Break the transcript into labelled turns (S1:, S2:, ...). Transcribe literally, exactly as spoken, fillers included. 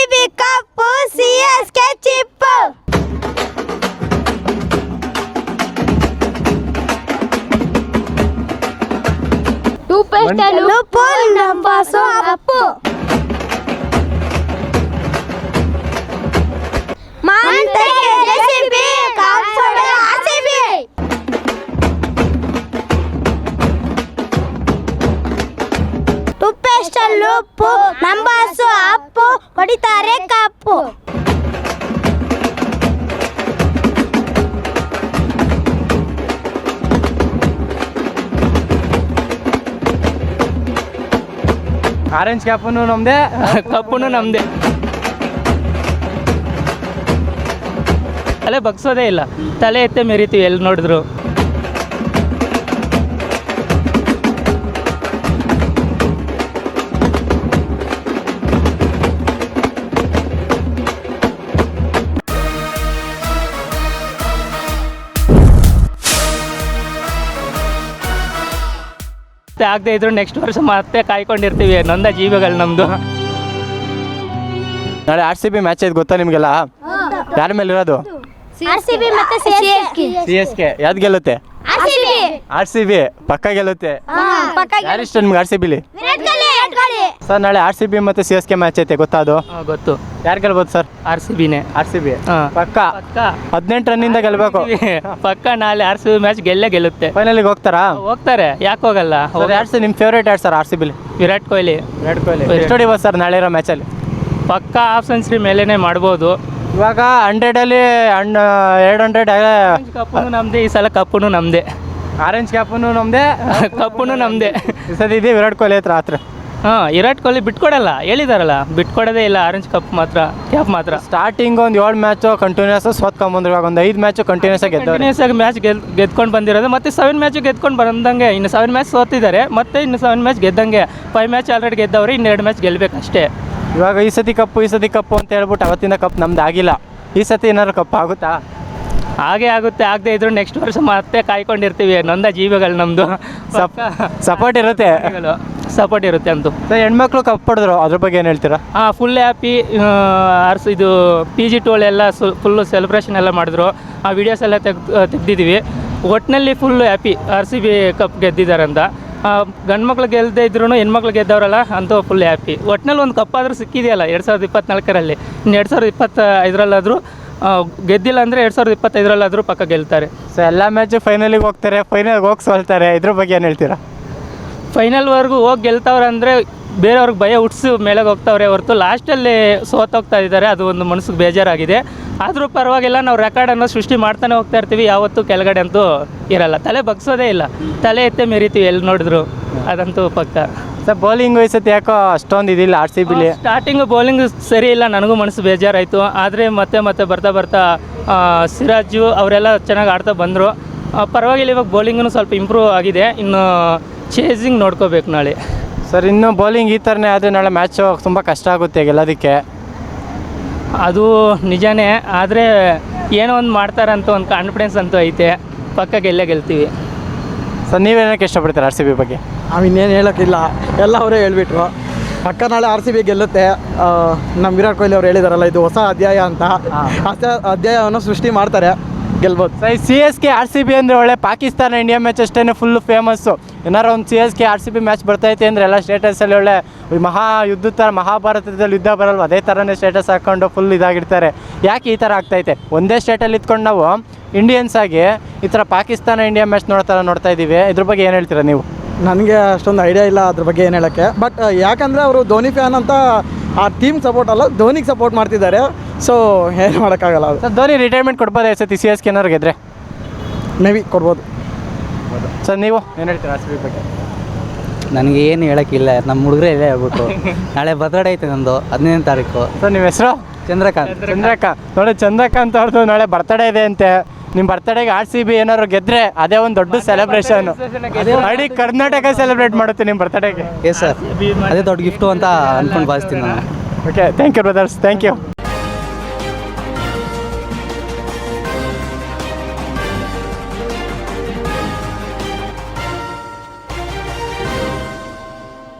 S1: B cup C S K ಚಿಪ್ಪು. ಲುಪ್ಪು ನಂಬಾಸು ಅಪ್ಪು. ಮಂತೆಗೆ ಜೆಸಿಬಿ ಕಾಪ್ಸೋಡೆ ಆರ್ಸಿಬಿ. ತುಪ್ಪೆಸ್ಟಲ್ಲಿ ಉಪ್ಪು ನಂಬಾಸು ಅಪ್ಪು ಹೊಡಿತಾರೆ ಕಪ್ಪು.
S2: ಆರೆಂಜ್ ಕ್ಯಾಪನು ನಮ್ದೆ, ಕಪ್ಪುನು ನಮ್ದೆ. ತಲೆ ಬಗ್ಸೋದೇ ಇಲ್ಲ, ತಲೆ ಎತ್ತೆ ಮೆರಿತೀವಿ ಎಲ್ಲಿ ನೋಡಿದ್ರು. ಆಗದೆ ಇದ್ರು ನೆಕ್ಸ್ಟ್ ವರ್ಷ ಮತ್ತೆ ಕಾಯ್ಕೊಂಡಿರ್ತೀವಿ, ನೊಂದ ಜೀವಗಳು ನಮ್ದು.
S3: ನಾಳೆ ಆರ್ ಸಿ ಬಿ ಮ್ಯಾಚ್ ಐತೆ ಗೊತ್ತಾ ನಿಮ್ಗೆಲ್ಲ? ಯಾರ ಮೇಲೆ ಇರೋದು?
S1: ಆರ್ಸಿಬಿ ಮತ್ತೆ C S K.
S3: C S K ಯಾವ್ದು ಗೆಲ್ಲುತ್ತೆ?
S1: ಆರ್ಸಿಬಿ.
S3: ಆರ್ ಸಿ ಬಿ ಪಕ್ಕ ಗೆಲ್ಲುತ್ತೆ. ಯಾರಿಷ್ಟ ನಿಮ್ಗೆ ಆರ್ ಸಿ ಬಿಲಿ? ಸರ್ ನಾಳೆ ಆರ್ ಸಿ ಬಿ ಮತ್ತೆ ಸಿ ಎಸ್ ಕೆ ಮ್ಯಾಚ್ ಐತೆ ಗೊತ್ತಾ? ಅದು
S2: ಗೊತ್ತು.
S3: ಯಾರು ಗೆಲ್ಬೋದು ಸರ್?
S2: ಆರ್ ಸಿ ಬಿನೇ.
S3: ಆರ್ ಸಿ ಬಿ ಪಕ್ಕ
S2: ಪಕ್ಕ
S3: ಹದಿನೆಂಟು ರನ್ನಿಂದ ಗೆಲ್ಬೇಕು.
S2: ಪಕ್ಕ ನಾಳೆ ಆರ್ ಸಿ ಬಿ ಮ್ಯಾಚ್ ಗೆಲ್ಲೇ ಗೆಲ್ಲುತ್ತೆ.
S3: ಫೈನಲಿಗೆ ಹೋಗ್ತಾರಾ?
S2: ಹೋಗ್ತಾರೆ, ಯಾಕೆ ಹೋಗಲ್ಲ?
S3: ಯಾರು ಸರ್ ನಿಮ್ಮ ಫೇವ್ರೇಟ್ ಯಾರು ಸರ್ ಆರ್ ಸಿ ಬಿಲಿ?
S2: ವಿರಾಟ್ ಕೊಹ್ಲಿ.
S3: ವಿರಾಟ್ ಕೊಹ್ಲಿ ಎಷ್ಟು ಹೊಡಿಬೋದು ಸರ್ ನಾಳೆ ಇರೋ ಮ್ಯಾಚಲ್ಲಿ?
S2: ಪಕ್ಕ ಹಾಫ್ ಸೆಂಚುರಿ ಮೇಲೇನೆ ಮಾಡ್ಬೋದು.
S3: ಇವಾಗ ಹಂಡ್ರೆಡಲ್ಲಿ ಅಣ್ಣ ಎರಡು ಹಂಡ್ರೆಡ್
S2: ಕಪ್ಪುನು ನಮ್ದೆ, ಈ ಸಲ ಕಪ್ಪುನು ನಮ್ದೆ.
S3: ಆರೆಂಜ್ ಕ್ಯಾಪನು ನಮ್ದೆ,
S2: ಕಪ್ಪುನು ನಮ್ದೆ.
S3: ಈ ಸತಿ ಇದೆ ವಿರಾಟ್ ಕೊಹ್ಲಿ ಹತ್ರ ಹತ್ರ.
S2: ಹಾಂ, ವಿರಾಟ್ ಕೊಹ್ಲಿ ಬಿಟ್ಕೊಡಲ್ಲ, ಹೇಳಿದಾರಲ್ಲ, ಬಿಟ್ಕೊಡೋದೇ ಇಲ್ಲ. ಆರೆಂಜ್ ಕಪ್ ಮಾತ್ರ, ಕ್ಯಾಪ್ ಮಾತ್ರ.
S3: ಸ್ಟಾರ್ಟಿಂಗ್ ಒಂದು ಏಳು ಮ್ಯಾಚು ಕಂಟಿನ್ಯೂಸ್ ಸೋತ್ಕೊಂಬಂದ್ರು, ಇವಾಗ ಒಂದು ಐದು ಮ್ಯಾಚು ಕಂಟಿನ್ಯೂಸ್ ಆಗಿ ಗೆದ್ದವ್ರೆ.
S2: ಕಂಟಿನ್ಯೂಸ್ ಆಗಿ ಮ್ಯಾಚ್ ಗೆಲ್ ಗೆದ್ಕೊಂಡು ಬಂದಿರೋದು. ಮತ್ತೆ ಸೆವೆನ್ ಮ್ಯಾಚು ಗೆದ್ಕೊಂಡು ಬಂದಂಗೆ, ಇನ್ನು ಸೆವೆನ್ ಮ್ಯಾಚ್ ಸೋತಿದ್ದಾರೆ, ಮತ್ತೆ ಇನ್ನು ಸೆವೆನ್ ಮ್ಯಾಚ್ ಗೆದ್ದಂಗೆ. ಫೈವ್ ಮ್ಯಾಚ್ ಆಲ್ರೆಡಿ ಗೆದ್ದವ್ರೆ, ಇನ್ನೆರಡು ಮ್ಯಾಚ್ ಗೆಲ್ಬೇಕು ಅಷ್ಟೇ.
S3: ಇವಾಗ ಈ ಸತಿ ಕಪ್ಪು ಈ ಸತಿ ಕಪ್ಪು ಅಂತ ಹೇಳ್ಬಿಟ್ಟು ಅವತ್ತಿಂದ ಕಪ್ ನಮ್ದು ಆಗಿಲ್ಲ. ಈ ಸತಿ ಏನಾದ್ರು ಕಪ್ ಆಗುತ್ತಾ?
S2: ಹಾಗೆ ಆಗುತ್ತೆ. ಆಗದೆ ಇದ್ರು ನೆಕ್ಸ್ಟ್ ವರ್ಷ ಮತ್ತೆ ಕಾಯ್ಕೊಂಡಿರ್ತೀವಿ, ನೊಂದ ಜೀವಗಳು ನಮ್ಮದು.
S3: ಸಪೋರ್ಟ್ ಇರುತ್ತೆ,
S2: ಸಪೋರ್ಟ್ ಇರುತ್ತೆ ಅಂತೂ.
S3: ಸರ್ ಹೆಣ್ಮಕ್ಳು ಕಪ್ ಪಡೆದ್ರು, ಅದ್ರ ಬಗ್ಗೆ ಏನು ಹೇಳ್ತೀರಾ?
S2: ಹಾಂ, ಫುಲ್ ಹ್ಯಾಪಿ. ಅರ್ಸ್ ಇದು ಪಿ ಜಿ ಟೋಲ್ ಎಲ್ಲ ಫುಲ್ಲು ಸೆಲೆಬ್ರೇಷನ್ ಎಲ್ಲ ಮಾಡಿದ್ರು. ಆ ವಿಡಿಯೋಸ್ ಎಲ್ಲ ತೆಗ್ದು ತೆಗ್ದಿದ್ದೀವಿ. ಒಟ್ಟಿನಲ್ಲಿ full happy, R C B cup ಗೆದ್ದಿದ್ದಾರೆ ಅಂತ. ಗಂಡು ಮಕ್ಳು ಗೆಲ್ಲದೆ ಇದ್ರು ಹೆಣ್ಮಕ್ಳು ಗೆದ್ದವರಲ್ಲ ಅಂತೂ ಫುಲ್ ಹ್ಯಾಪಿ. ಒಟ್ಟಿನಲ್ಲಿ ಒಂದು ಕಪ್ ಆದರೂ ಸಿಕ್ಕಿದೆಯಲ್ಲ ಎರಡು ಸಾವಿರದ ಇಪ್ಪತ್ನಾಲ್ಕರಲ್ಲಿ. ಇನ್ನು ಎರಡು ಸಾವಿರದ ಇಪ್ಪತ್ತ ಐದರಲ್ಲಾದರೂ ಗೆದ್ದಿಲ್ಲ ಅಂದರೆ ಎರಡು ಸಾವಿರದ ಇಪ್ಪತ್ತೈದರಲ್ಲಾದರೂ ಪಕ್ಕ ಗೆಲ್ತಾರೆ.
S3: ಸೊ ಎಲ್ಲ ಮ್ಯಾಚು ಫೈನಲಿಗೆ ಹೋಗ್ತಾರೆ, ಫೈನಲ್ಗೆ ಹೋಗಿ ಸೋಲ್ತಾರೆ. ಇದ್ರ ಬಗ್ಗೆ ಏನು ಹೇಳ್ತೀರಾ?
S2: ಫೈನಲ್ವರೆಗೂ ಹೋಗಿ ಗೆಲ್ತವ್ರೆ ಅಂದರೆ ಬೇರೆಯವ್ರಿಗೆ ಭಯ ಹುಟ್ಟಿಸಿ ಮೇಲೆಗೆ ಹೋಗ್ತಾವ್ರೆ ಹೊರತು ಲಾಸ್ಟಲ್ಲಿ ಸೋತೋಗ್ತಾ ಇದ್ದಾರೆ. ಅದು ಒಂದು ಮನಸ್ಸಿಗೆ ಬೇಜಾರಾಗಿದೆ. ಆದರೂ ಪರವಾಗಿಲ್ಲ, ನಾವು ರೆಕಾರ್ಡನ್ನು ಸೃಷ್ಟಿ ಮಾಡ್ತಾನೆ ಹೋಗ್ತಾ ಇರ್ತೀವಿ, ಯಾವತ್ತೂ ಕೆಳಗಡೆ ಅಂತೂ ಇರಲ್ಲ. ತಲೆ ಬಗ್ಸೋದೇ ಇಲ್ಲ, ತಲೆ ಎತ್ತೆ ಮೆರಿತೀವಿ ಎಲ್ಲಿ ನೋಡಿದ್ರು, ಅದಂತೂ ಪಕ್ಕ.
S3: ಸರ್ ಬೌಲಿಂಗ್ ವಹಿಸುತ್ತೆ ಯಾಕೋ ಅಷ್ಟೊಂದು ಇದಿಲ್ಲ ಆರ್ ಸಿ ಬಿಲಿ.
S2: ಸ್ಟಾರ್ಟಿಂಗು ಬೌಲಿಂಗ್ ಸರಿ ಇಲ್ಲ, ನನಗೂ ಮನಸ್ಸು ಬೇಜಾರಾಯಿತು. ಆದರೆ ಮತ್ತೆ ಮತ್ತೆ ಬರ್ತಾ ಬರ್ತಾ ಸಿರಾಜು ಅವರೆಲ್ಲ ಚೆನ್ನಾಗಿ ಆಡ್ತಾ ಬಂದರು. ಪರವಾಗಿಲ್ಲ, ಇವಾಗ ಬೌಲಿಂಗೂ ಸ್ವಲ್ಪ ಇಂಪ್ರೂವ್ ಆಗಿದೆ. ಇನ್ನು ಚೇಸಿಂಗ್ ನೋಡ್ಕೋಬೇಕು ನಾಳೆ.
S3: ಸರ್ ಇನ್ನು ಬೌಲಿಂಗ್ ಈ ಥರನೇ ಆದರೆ ನಾಳೆ ಮ್ಯಾಚು ತುಂಬ ಕಷ್ಟ ಆಗುತ್ತೆ ಗೆಲ್ಲೋದಕ್ಕೆ.
S2: ಅದು ನಿಜಾನೇ, ಆದರೆ ಏನೋ ಒಂದು ಮಾಡ್ತಾರಂತ ಒಂದು ಕಾನ್ಫಿಡೆನ್ಸ್ ಅಂತೂ ಐತೆ. ಪಕ್ಕ ಗೆಲ್ಲೇ ಗೆಲ್ತೀವಿ.
S3: ಸರ್ ನೀವೇನಕ್ಕೆ ಇಷ್ಟಪಡ್ತೀರಾ ಆರ್ ಸಿ ಬಿ ಬಗ್ಗೆ?
S4: ನಾವು ಇನ್ನೇನು ಹೇಳೋಕ್ಕಿಲ್ಲ, ಎಲ್ಲ ಅವರೇ ಹೇಳ್ಬಿಟ್ರು. ಪಕ್ಕ ನಾಳೆ ಆರ್ ಸಿ ಬಿ ಗೆಲ್ಲುತ್ತೆ. ನಮ್ಮ ವಿರಾಟ್ ಕೊಹ್ಲಿ ಅವ್ರು ಹೇಳಿದಾರಲ್ಲ, ಇದು ಹೊಸ ಅಧ್ಯಾಯ ಅಂತ. ಹೊಸ ಅಧ್ಯಾಯವನ್ನು ಸೃಷ್ಟಿ ಮಾಡ್ತಾರೆ, ಗೆಲ್ಬೋದು.
S3: Sir C S K R C B ಅಂದರೆ ಒಳ್ಳೆ ಪಾಕಿಸ್ತಾನ ಇಂಡಿಯಾ ಮ್ಯಾಚ್ ಅಷ್ಟೇ ಫುಲ್ಲು ಫೇಮಸ್ಸು. ಏನಾರು ಒಂದು C S K R C B match ಬರ್ತೈತೆ ಅಂದರೆ ಎಲ್ಲ ಸ್ಟೇಟಸಲ್ಲಿ ಒಳ್ಳೆ ಮಹಾ ಯುದ್ಧ ಥರ, ಮಹಾಭಾರತದಲ್ಲಿ ಯುದ್ಧ ಬರಲ್ವ ಅದೇ ಥರನೇ ಸ್ಟೇಟಸ್ ಹಾಕ್ಕೊಂಡು ಫುಲ್ ಇದಾಗಿರ್ತಾರೆ. ಯಾಕೆ ಈ ಥರ ಆಗ್ತೈತೆ? ಒಂದೇ ಸ್ಟೇಟಲ್ಲಿ ಇದ್ಕೊಂಡು ನಾವು ಇಂಡಿಯನ್ಸ್ ಆಗಿ ಈ ಥರ ಪಾಕಿಸ್ತಾನ ಇಂಡಿಯಾ ಮ್ಯಾಚ್ ನೋಡ್ತಾರ ನೋಡ್ತಾ ಇದ್ದೀವಿ. ಇದ್ರ ಬಗ್ಗೆ ಏನು ಹೇಳ್ತೀರಾ ನೀವು?
S4: ನನಗೆ ಅಷ್ಟೊಂದು ಐಡಿಯಾ ಇಲ್ಲ ಅದ್ರ ಬಗ್ಗೆ ಏನು ಹೇಳೋಕ್ಕೆ. ಬಟ್ ಯಾಕಂದರೆ ಅವರು ಧೋನಿ ಫ್ಯಾನ್ ಅಂತ ಆ ಟೀಮ್ ಸಪೋರ್ಟ್ ಅಲ್ಲ, ಧೋನಿಗೆ ಸಪೋರ್ಟ್ ಮಾಡ್ತಿದ್ದಾರೆ. ಸೊ ಏನು ಮಾಡೋಕ್ಕಾಗಲ್ಲ. ಅದು
S3: ಸರ್ ಧೋನಿ ರಿಟೈರ್ಮೆಂಟ್ ಕೊಡ್ಬೋದು ಸತಿ ಸಿ ಎಸ್ ಕೆ ಏನಾರು ಗೆದ್ರೆ?
S4: ಮೇ ಬಿ ಕೊಡ್ಬೋದು.
S3: ಸರ್ ನೀವು ಏನು ಹೇಳ್ತೀರಾ ಆರ್ ಸಿ ಬಿ ಬಗ್ಗೆ?
S5: ನನಗೆ ಏನು ಹೇಳೋಕ್ಕಿಲ್ಲ, ನಮ್ಮ ಹುಡುಗರೇ ಇಲ್ಲೇ ಹೇಳ್ಬಿಟ್ಟು. ನಾಳೆ ಬರ್ತಡೇ ಐತೆ ನಂದು, ಹದಿನೈದನೇ ತಾರೀಕು.
S3: ಸರ್ ನಿಮ್ಮ ಹೆಸರು?
S5: ಚಂದ್ರಕಾಂತ್.
S3: ಚಂದ್ರಕಾಂತ್ ನೋಡಿ, ಚಂದ್ರಕಾಂತ್ ಅವ್ರದ್ದು ನಾಳೆ ಬರ್ತಡೇ ಇದೆ ಅಂತೆ. ನಿಮ್ಮ ಬರ್ತಡೇಗೆ ಆರ್ ಸಿ ಬಿ ಏನಾದ್ರು ಗೆದ್ರೆ ಅದೇ ಒಂದು ದೊಡ್ಡ ಸೆಲೆಬ್ರೇಷನ್. ಇಡೀ ಕರ್ನಾಟಕ ಸೆಲೆಬ್ರೇಟ್ ಮಾಡುತ್ತೆ ನಿಮ್ಮ ಬರ್ತಡೇಗೆ.
S5: ಎಸ್ ಸರ್, ಅದೇ ದೊಡ್ಡ ಗಿಫ್ಟು ಅಂತ ಅಂದ್ಕೊಂಡು ಭಾವಿಸ್ತೀನಿ ನಾನು.
S3: Okay, thank you brothers, thank you.